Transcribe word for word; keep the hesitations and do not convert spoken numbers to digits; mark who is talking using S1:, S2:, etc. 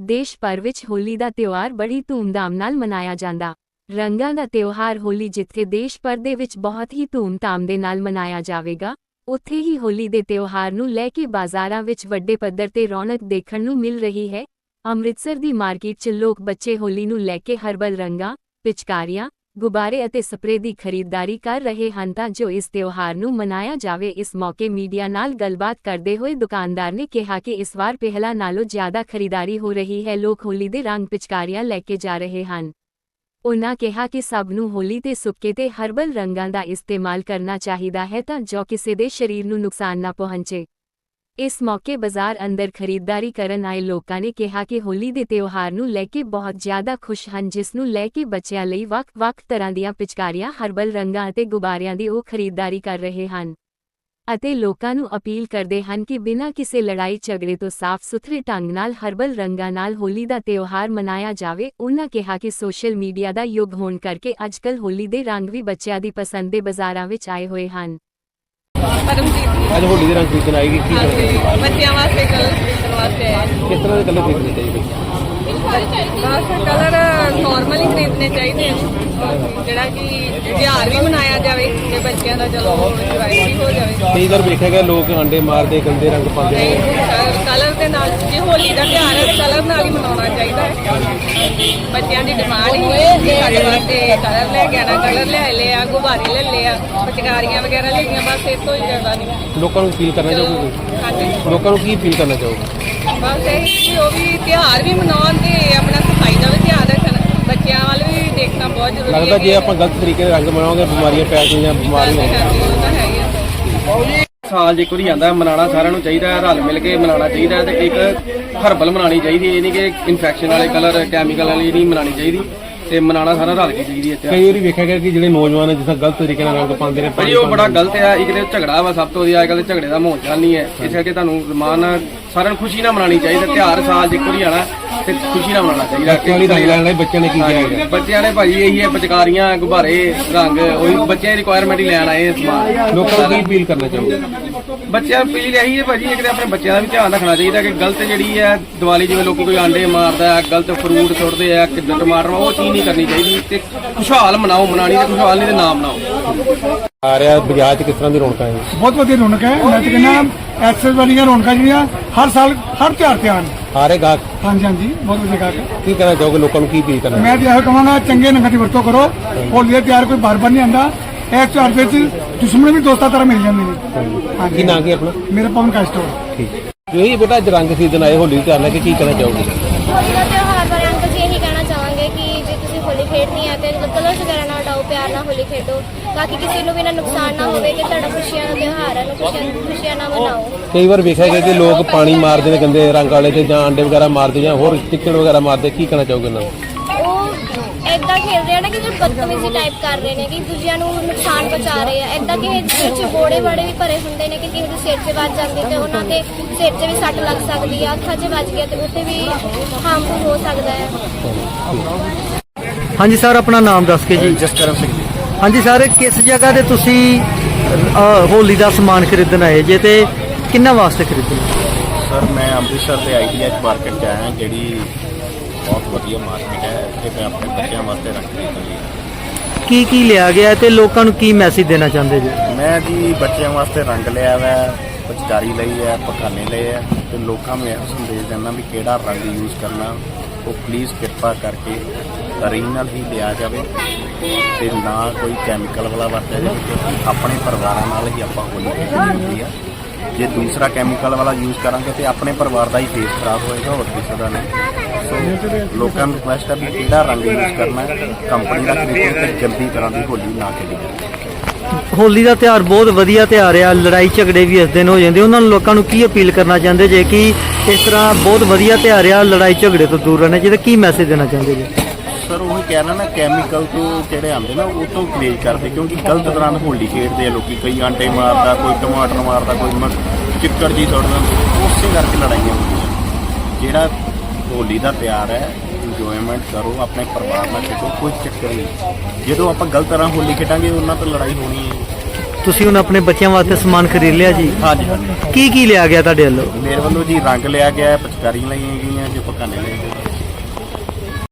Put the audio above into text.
S1: देश भर विच होली दा त्योहार बड़ी धूमधाम नाल मनाया जांदा। रंगां दा त्योहार होली जिथे देश भर दे विच बहुत ही धूमधाम दे नाल मनाया जावेगा, उत्थे ही होली दे त्योहार नूं लै के बाज़ारां विच वड्डे पੱਧਰ ते रौनक देखण नूं मिल रही है। अमृतसर दी मार्केट च लोक बच्चे होली नूं लै के हर्बल रंगां, पिचकारियां, गुब्बारे ਅਤੇ स्प्रे ਦੀ ਖਰੀਦਦਾਰੀ ਕਰ ਰਹੇ ਹਨ ਤਾਂ ਜੋ ਇਸ ਤਿਉਹਾਰ ਨੂੰ ਮਨਾਇਆ ਜਾਵੇ। ਇਸ ਮੌਕੇ ਮੀਡੀਆ ਨਾਲ ਗੱਲਬਾਤ ਕਰਦੇ ਹੋਏ ਦੁਕਾਨਦਾਰ ਨੇ ਕਿਹਾ ਕਿ ਇਸ ਵਾਰ ਪਹਿਲਾਂ ਨਾਲੋਂ ਜ਼ਿਆਦਾ ਖਰੀਦਦਾਰੀ ਹੋ ਰਹੀ ਹੈ। ਲੋਕ ਹੋਲੀ ਦੇ ਰੰਗ ਪਿਚਕਾਰੀਆਂ ਲੈ ਕੇ ਜਾ ਰਹੇ ਹਨ। ਉਨ੍ਹਾਂ ਕਿਹਾ ਕਿ ਸਭ ਨੂੰ ਹੋਲੀ ਤੇ ਸੁੱਕੇ ਤੇ ਹਰਬਲ ਰੰਗਾਂ ਦਾ ਇਸਤੇਮਾਲ ਕਰਨਾ ਚਾਹੀਦਾ ਹੈ ਤਾਂ ਜੋ ਕਿਸੇ ਦੇ ਸਰੀਰ ਨੂੰ ਨੁਕਸਾਨ ਨਾ ਪਹੁੰਚੇ। इस मौके बाजार अंदर खरीददारी करन आए लोगों ने कहा कि होली दे त्योहार नूं लैके बहुत ज़्यादा खुश हैं, जिस नूं लैके बच्चों लई वख-वख तरह दीआं पिचकारियां, हर्बल रंगां अते गुब्बारियां दी ओह खरीददारी कर रहे हैं ਅਤੇ ਲੋਕਾਂ ਨੂੰ ਅਪੀਲ ਕਰਦੇ ਹਨ ਕਿ ਬਿਨਾਂ ਕਿਸੇ ਲੜਾਈ ਝਗੜੇ ਤੋਂ ਸਾਫ਼ ਸੁਥਰੇ ਢੰਗ ਨਾਲ ਹਰਬਲ ਰੰਗਾਂ ਨਾਲ ਹੋਲੀ ਦਾ ਤਿਉਹਾਰ ਮਨਾਇਆ ਜਾਵੇ। ਉਨ੍ਹਾਂ ਕਿਹਾ ਕਿ ਸੋਸ਼ਲ ਮੀਡੀਆ ਦਾ ਯੁੱਗ ਹੋਣ ਕਰਕੇ ਅੱਜਕੱਲ੍ਹ ਹੋਲੀ ਦੇ ਰੰਗ ਵੀ ਬੱਚਿਆਂ ਦੀ ਪਸੰਦ ਦੇ ਬਾਜ਼ਾਰਾਂ ਵਿੱਚ ਆਏ ਹੋਏ ਹਨ।
S2: ਅੱਜ ਹੋਲੀ ਦੇ ਰੰਗ ਖਰੀਦਣ ਆਏਗੀ ਕੀ
S3: ਬੱਚਿਆਂ ਵਾਸਤੇ ਕਲਰ ਖਰੀਦਣ ਵਾਸਤੇ ਆਏ।
S2: ਕਿਸ ਤਰ੍ਹਾਂ ਦੇ ਕਲਰ ਖਰੀਦਣੇ ਚਾਹੀਦੇ?
S3: ਬਸ ਕਲਰ ਨਾਰਮਲ ਹੀ ਖਰੀਦਣੇ ਚਾਹੀਦੇ ਜਿਹੜਾ ਕਿ ਤਿਉਹਾਰ ਵੀ ਮਨਾਇਆ ਜਾਵੇ ਤੇ ਬੱਚਿਆਂ ਦਾ ਚਲੋ ਇੰਜੋਏ ਵੀ ਹੋ ਜਾਵੇ।
S2: ਕਈ ਵਾਰ ਵੇਖਿਆ ਗਿਆ ਲੋਕ ਆਂਡੇ ਮਾਰਦੇ, ਗੰਦੇ ਰੰਗ ਪਾਉਂਦੇ ਨੇ।
S3: ਕਲਰ ਦੇ ਨਾਲ ਜੇ ਹੋਲੀ ਦਾ ਤਿਉਹਾਰ ਹੈ ਕਲਰ ਨਾਲ ਹੀ ਮਨਾਉਣਾ ਚਾਹੀਦਾ ਹੈ। ਬੱਚਿਆਂ ਦੀ ਡਿਮਾਂਡ ਹੀ ਹੋਏ ਸਾਡੇ ਵਾਸਤੇ ਕਲਰ ਲੈ ਕੇ ਆਣਾ, ਕਲਰ ਲੈ ਲਏ ਆ, ਗੁਬਾਰੇ ਲੈ ਲਏ ਆ, ਪਿਚਕਾਰੀਆਂ ਵਗੈਰਾ ਲਈਆਂ, ਬਸ ਇਸ ਤੋਂ ਹੀ ਜ਼ਿਆਦਾ ਨਹੀਂ।
S2: ਲੋਕਾਂ ਨੂੰ ਅਪੀਲ ਕਰਨਾ ਚਾਹੋਗੇ?
S3: ਹਾਂਜੀ,
S2: ਲੋਕਾਂ ਨੂੰ ਕੀ ਅਪੀਲ ਕਰਨਾ ਚਾਹੋਗੇ?
S3: ਬਸ ਇਹ ਕਿ ਉਹ ਵੀ ਤਿਉਹਾਰ ਵੀ ਮਨਾਉਣ ਤੇ ਆਪਣਾ ਸਫਾਈ ਦਾ ਵੀ ਧਿਆਨ ਰੱਖਣ, ਬੱਚਿਆਂ ਵੱਲ ਵੀ ਦੇਖਣਾ ਬਹੁਤ ਜ਼ਰੂਰੀ ਹੈ।
S2: ਲੱਗਦਾ ਜੇ ਆਪਾਂ ਗਲਤ ਤਰੀਕੇ ਨਾਲ ਰੰਗ ਬਣਾਉਂਗੇ ਬਿਮਾਰੀਆਂ ਪੈ ਜਾਣਗੀਆਂ, ਬਿਮਾਰੀਆਂ
S3: ਉਹ ਤਾਂ ਹੈ ਹੀ ਆ।
S4: ਸਾਲ ਜੇ ਕੋਈ ਆਂਦਾ ਮਨਾਉਣਾ ਸਾਰਿਆਂ ਨੂੰ ਚਾਹੀਦਾ ਹੈ, ਰਲ ਮਿਲ ਕੇ ਮਨਾਉਣਾ ਚਾਹੀਦਾ ਹੈ ਤੇ ਇੱਕ ਹਰਬਲ ਮਨਾਉਣੀ ਚਾਹੀਦੀ। ਇਹ ਨਹੀਂ ਕਿ ਇਨਫੈਕਸ਼ਨ ਵਾਲੇ ਕਲਰ, ਕੈਮੀਕਲ ਵਾਲੀ ਨਹੀਂ ਮਨਾਉਣੀ ਚਾਹੀਦੀ ਤੇ ਮਨਾਉਣਾ ਸਾਰਾ ਰਲ ਕੇ ਚਾਹੀਦੀ ਹੈ।
S2: ਕਈ ਵਾਰੀ ਵੇਖਿਆ ਗਿਆ ਕਿ ਜਿਹੜੇ ਨੌਜਵਾਨ ਜਿਸ ਤਰ੍ਹਾਂ ਗਲਤ ਤਰੀਕੇ ਨਾਲ ਰੰਗ ਪਾਉਂਦੇ ਨੇ
S4: ਭਾਜੀ ਉਹ ਬੜਾ ਗਲਤ ਹੈ। ਇੱਕ ਤੇ ਝਗੜਾ ਵਾ ਸਭ ਤੋਂ ਵਧੀਆ, ਅੱਜ ਕੱਲ੍ਹ ਝਗੜੇ ਦਾ ਮਾਹੌਲ ਚੱਲ ਨਹੀਂ ਹੈ। ਇਸ ਕਰਕੇ ਤੁਹਾਨੂੰ ਰਮਾਨ ਨਾਲ ਸਾਰਿਆਂ ਨੂੰ ਖੁਸ਼ੀ ਨਾਲ ਮਨਾਉਣੀ ਚਾਹੀਦੀ। ਤਿਉਹਾਰ ਸਾਲ ਜੇ ਕੋਈ ਆਣਾ ਤੇ ਖੁਸ਼ੀ ਨਾਲ ਮਨਾਉਣਾ ਚਾਹੀਦਾ।
S2: ਬੱਚਿਆਂ ਵਾਲੀ ਰੰਗ ਲੈਣ ਲਈ ਬੱਚਿਆਂ ਨੇ ਕੀ ਕਿਹਾ ਹੈਗਾ?
S4: ਬੱਚਿਆਂ ਨੇ ਭਾਜੀ ਇਹੀ ਹੈ, ਪਿਚਕਾਰੀਆਂ, ਗੁਬਾਰੇ, ਰੰਗ, ਉਹੀ ਬੱਚਿਆਂ ਦੀ ਰਿਕੁਆਇਰਮੈਂਟ ਹੀ ਲੈਣ ਆਏ ਸਮਾਨ।
S2: ਲੋਕਾਂ ਨੂੰ ਕੀ ਅਪੀਲ ਕਰਨਾ ਚਾਹੋਗੇ?
S4: ਬੱਚਿਆਂ ਨੂੰ ਅਪੀਲ ਇਹੀ ਹੈ ਭਾਜੀ, ਇੱਕ ਤੇ ਆਪਣੇ ਬੱਚਿਆਂ ਦਾ ਵੀ ਧਿਆਨ ਰੱਖਣਾ ਚਾਹੀਦਾ ਕਿ ਗਲਤ ਜਿਹੜੀ ਹੈ ਦੀਵਾਲੀ ਜਿਵੇਂ ਲੋਕੀ ਕੋਈ ਆਂਡੇ ਮਾਰਦਾ ਹੈ, ਗਲਤ ਫਰੂਟ ਸੁੱਟਦੇ ਆ, ਕਿੱਦਾਂ ਟਮਾਟਰ, ਉਹ ਚੀਜ਼ ਨਹੀਂ ਕਰਨੀ ਚਾਹੀਦੀ ਤੇ ਖੁਸ਼ਹਾਲ ਮਨਾਓ। ਮਨਾਣੀ ਤੇ ਖੁਸ਼ਹਾਲ ਨਹੀਂ ਤੇ ਨਾ ਮਨਾਓ।
S2: ਆ ਰਿਹਾ ਬਾਜ਼ਾਰ 'ਚ ਕਿਸ ਤਰ੍ਹਾਂ ਦੀ ਰੌਣਕਾਂ ਹੈ?
S5: ਬਹੁਤ ਵਧੀਆ ਰੌਣਕ ਹੈ। ਮੈਂ ਤਾਂ ਕਹਿੰਦਾ ਐਕਸੈਸ ਵਾਲੀਆਂ ਰੌਣਕਾਂ ਜਿਹੜੀਆਂ ਹਰ ਸਾਲ ਹਰ ਤਿਉਹਾਰ ਤੇ ਆਉਣ।
S2: ਆ ਰਹੇ ਗਾਹਕ?
S5: ਹਾਂਜੀ ਹਾਂਜੀ, ਬਹੁਤ ਵਧੀਆ ਗਾਹਕ ਹੈ।
S2: ਕੀ ਕਹਿਣਾ ਚਾਹੋਗੇ? ਲੋਕਾਂ ਨੂੰ ਕੀ ਅਪੀਲ ਕਰਨਾ?
S5: ਮੈਂ ਤਾਂ ਇਹੋ ਕਹਾਂਗਾ ਚੰਗੇ ਰੰਗਾਂ ਦੀ ਵਰਤੋਂ ਕਰੋ। ਹੋਲੀ ਦਾ ਤਿਉਹਾਰ ਕੋਈ ਬਾਰ ਬਾਰ ਨਹੀਂ ਆਉਂਦਾ। ਇਸ ਤਿਉਹਾਰ ਵਿੱਚ ਦੁਸ਼ਮਣ ਵੀ ਦੋਸਤਾਂ ਤਰ੍ਹਾਂ ਮਿਲ ਜਾਂਦੇ ਨੇ।
S2: ਕੀ ਨਾਂ ਕੀ ਆਪਣਾ?
S5: ਮੇਰਾ ਪਵਨ ਕਾਸਟੋ।
S2: ਠੀਕ ਜੀ ਬੇਟਾ, ਅੱਜ ਰੰਗ ਖਰੀਦਣ ਆਏ ਹੋਲੀ ਤਿਉਹਾਰ ਲੈ ਕੇ ਕੀ ਕਹਿਣਾ ਚਾਹੋਗੇ?
S6: ਹੋਲੀ ਦਾ ਤਿਉਹਾਰ ਬਾਰੇ ਅੰਕਲ ਜੀ ਇਹੀ ਕਹਿਣਾ ਚਾਹਾਂਗੇ ਕਿ ਜੇ ਤੁਸੀਂ ਹੋਲੀ ਖੇਡਣੀ ਹੈ ਤੇ ਕਲਰਸ ਵਗੈਰਾ ਨਾਲ ਉਡਾਓ, ਪਿਆਰ ਨਾਲ ਹੋਲੀ ਖੇਡੋ ਤਾਂ ਕਿ ਕਿਸੇ ਨੂੰ ਵੀ ਨਾ ਨੁਕਸਾਨ ਨਾ ਹੋਵੇ ਕਿ ਤੁਹਾਡਾ ਖੁਸ਼ੀਆਂ ਦਾ ਤਿਉਹਾਰ ਹੈ, ਖੁਸ਼ੀਆਂ ਖੁਸ਼ੀਆਂ ਨਾਲ ਮਨਾਓ।
S2: ਕਈ ਵਾਰ ਵੇਖਿਆ ਗਿਆ ਕਿ ਲੋਕ ਪਾਣੀ ਮਾਰਦੇ ਨੇ ਗੰਦੇ ਰੰਗ ਵਾਲੇ ਤੇ ਜਾਂ ਆਂਡੇ ਵਗੈਰਾ ਮਾਰਦੇ ਜਾਂ ਹੋਰ ਟਿੱਕੜ ਵਗੈਰਾ ਮਾਰਦੇ, ਕੀ ਕਹਿਣਾ ਚਾਹੋਗੇ ਇਹਨਾਂ ਨੂੰ?
S6: ਉਹ ਏਦਾਂ ਖੇਡ ਰਹੇ ਨੇ ਕਿ ਜੋ ਬਦਤਮੀਜ਼ੀ ਟਾਈਪ ਕਰ ਰਹੇ ਨੇ ਕਿ ਦੂਜਿਆਂ ਨੂੰ ਨੁਕਸਾਨ ਪਹੁੰਚਾ ਰਹੇ ਆ। ਏਦਾਂ ਕਿ ਸਿਰ 'ਚ ਬੋੜੇ ਬਾੜੇ ਵੀ ਭਰੇ ਹੁੰਦੇ ਨੇ ਕਿ ਕਿਸੇ ਦੇ ਸਿਰ 'ਚ ਵੱਜ ਜਾਂਦੀ ਤੇ ਉਹਨਾਂ ਦੇ ਸਿਰ 'ਚ ਵੀ ਸੱਟ ਲੱਗ ਸਕਦੀ ਆ, ਅੱਖਾਂ 'ਚ ਵੱਜ ਗਿਆ ਤੇ ਉੱਥੇ ਵੀ ਹਾਰਮਫੁਲ ਹੋ ਸਕਦਾ ਹੈ।
S7: ਹਾਂਜੀ ਸਰ, ਆਪਣਾ ਨਾਮ ਦੱਸ ਕੇ ਜੀ।
S8: ਜਸਕਰਨ ਸਿੰਘ ਜੀ।
S7: ਹਾਂਜੀ ਸਰ, ਕਿਸ ਜਗ੍ਹਾ ਤੇ ਤੁਸੀਂ ਹੋਲੀ ਦਾ ਸਮਾਨ ਖਰੀਦਣ ਆਏ ਜੇ ਤੇ ਕਿੰਨਾ ਵਾਸਤੇ ਖਰੀਦਣਾ?
S8: ਸਰ ਮੈਂ ਅੰਮ੍ਰਿਤਸਰ ਦੇ ਆਈਡੀਐਚ ਮਾਰਕੀਟ 'ਚ ਆਇਆ, ਜਿਹੜੀ ਬਹੁਤ ਵਧੀਆ ਮਾਰਕੀਟ ਹੈ ਤੇ ਮੈਂ ਆਪਣੇ ਬੱਚਿਆਂ ਵਾਸਤੇ ਰੰਗ ਖਰੀਦਣ ਲਈ।
S7: ਕੀ ਕੀ ਲਿਆ ਗਿਆ ਤੇ ਲੋਕਾਂ ਨੂੰ ਕੀ ਮੈਸੇਜ ਦੇਣਾ ਚਾਹੁੰਦੇ ਜੀ?
S8: ਮੈਂ ਜੀ ਬੱਚਿਆਂ ਵਾਸਤੇ ਰੰਗ ਲਿਆ ਵਾ, ਪਿਚਕਾਰੀ ਲਈ ਹੈ, ਪਖਾਨੇ ਲਏ ਹੈ ਤੇ ਲੋਕਾਂ ਨੂੰ ਇਹ ਸੰਦੇਸ਼ ਦਿੰਦਾ ਵੀ ਕਿਹੜਾ ਰੰਗ ਯੂਜ਼ ਕਰਨਾ ਉਹ ਪਲੀਜ਼ ਕਿਰਪਾ ਕਰਕੇ ਓਰੀਜਨਲ ਹੀ ਲਿਆ ਜਾਵੇ ਤੇ ਨਾ ਕੋਈ ਕੈਮੀਕਲ ਵਾਲਾ ਵਰਤਿਆ ਜਾਵੇ, ਕਿਉਂਕਿ ਆਪਣੇ ਪਰਿਵਾਰਾਂ ਨਾਲ ਹੀ ਆਪਾਂ ਹੋਲੀ ਖੇਡਣੀ ਹੁੰਦੀ ਆ। ਜੇ ਦੂਸਰਾ ਕੈਮੀਕਲ ਵਾਲਾ ਯੂਜ਼ ਕਰਾਂਗੇ ਤੇ ਆਪਣੇ ਪਰਿਵਾਰ ਦਾ ਹੀ ਫੇਸ ਖਰਾਬ ਹੋਏਗਾ, ਹੋਰ ਕਿਸੇ ਦਾ ਨਹੀਂ। ਸੋ ਲੋਕਾਂ ਨੂੰ ਰਿਕੁਐਸਟ ਹੈ ਵੀ ਕਿਹੜਾ ਰੰਗ ਯੂਜ਼ ਕਰਨਾ ਹੈ, ਕੰਪਨੀ ਦਾ ਖਰੀਦੋ ਤੇ ਜਲਦੀ ਤਰ੍ਹਾਂ ਦੀ ਹੋਲੀ ਨਾ ਖੇਡੀ ਜਾਵੇ।
S7: ਹੋਲੀ ਦਾ ਤਿਉਹਾਰ ਬਹੁਤ ਵਧੀਆ ਤਿਉਹਾਰ ਆ, ਲੜਾਈ ਝਗੜੇ ਵੀ ਇਸ ਦਿਨ ਹੋ ਜਾਂਦੇ। ਉਹਨਾਂ ਨੂੰ ਲੋਕਾਂ ਨੂੰ ਕੀ ਅਪੀਲ ਕਰਨਾ ਚਾਹੁੰਦੇ ਜੇ ਕਿ ਇਸ ਤਰ੍ਹਾਂ ਬਹੁਤ ਵਧੀਆ ਤਿਉਹਾਰ ਆ, ਲੜਾਈ ਝਗੜੇ ਤੋਂ ਦੂਰ ਰਹਿਣਾ ਚਾਹੀਦਾ, ਕੀ ਮੈਸੇਜ ਦੇਣਾ ਚਾਹੁੰਦੇ ਜੀ?
S8: ਸਰ ਉਹੀ ਕਹਿਣਾ ਨਾ, ਕੈਮੀਕਲ ਤੋਂ ਜਿਹੜੇ ਆਉਂਦੇ ਨਾ ਉਹ ਤੋਂ ਗਰੇਜ ਕਰਦੇ, ਕਿਉਂਕਿ ਗਲਤ ਤਰ੍ਹਾਂ ਨਾਲ ਹੋਲੀ ਖੇਡਦੇ ਆ ਲੋਕੀ। ਕਈ ਆਂਡੇ ਮਾਰਦਾ, ਕੋਈ ਟਮਾਟਰ ਮਾਰਦਾ, ਕੋਈ ਚਿੱਕੜ ਜੀ ਸੁੱਟਦਾ, ਉਸੇ ਕਰਕੇ ਲੜਾਈਆਂ ਹੁੰਦੀਆਂ। ਜਿਹੜਾ ਹੋਲੀ ਦਾ ਤਿਉਹਾਰ ਹੈ ਇੰਜੋਏਮੈਂਟ ਕਰੋ, ਆਪਣੇ ਪਰਿਵਾਰ ਨਾਲ ਖੇਡੋ, ਕੋਈ ਚੱਕਰ ਨਹੀਂ। ਜਦੋਂ ਆਪਾਂ ਗਲਤ ਤਰ੍ਹਾਂ ਹੋਲੀ ਖੇਡਾਂਗੇ ਉਹਨਾਂ ਤੋਂ ਲੜਾਈ ਹੋਣੀ ਹੈ।
S7: ਤੁਸੀਂ ਹੁਣ ਆਪਣੇ ਬੱਚਿਆਂ ਵਾਸਤੇ ਸਮਾਨ ਖਰੀਦ ਲਿਆ ਜੀ?
S8: ਹਾਂਜੀ ਹਾਂਜੀ
S7: ਕੀ ਕੀ ਲਿਆ ਗਿਆ ਤੁਹਾਡੇ ਵੱਲੋਂ?
S8: ਮੇਰੇ ਵੱਲੋਂ ਜੀ ਰੰਗ ਲਿਆ ਗਿਆ ਹੈ, ਪਿਚਕਾਰੀਆਂ ਲਈਆਂ ਗਈਆਂ ਜੀ, ਪਖਾਨੇ ਲਏ ਗਏ।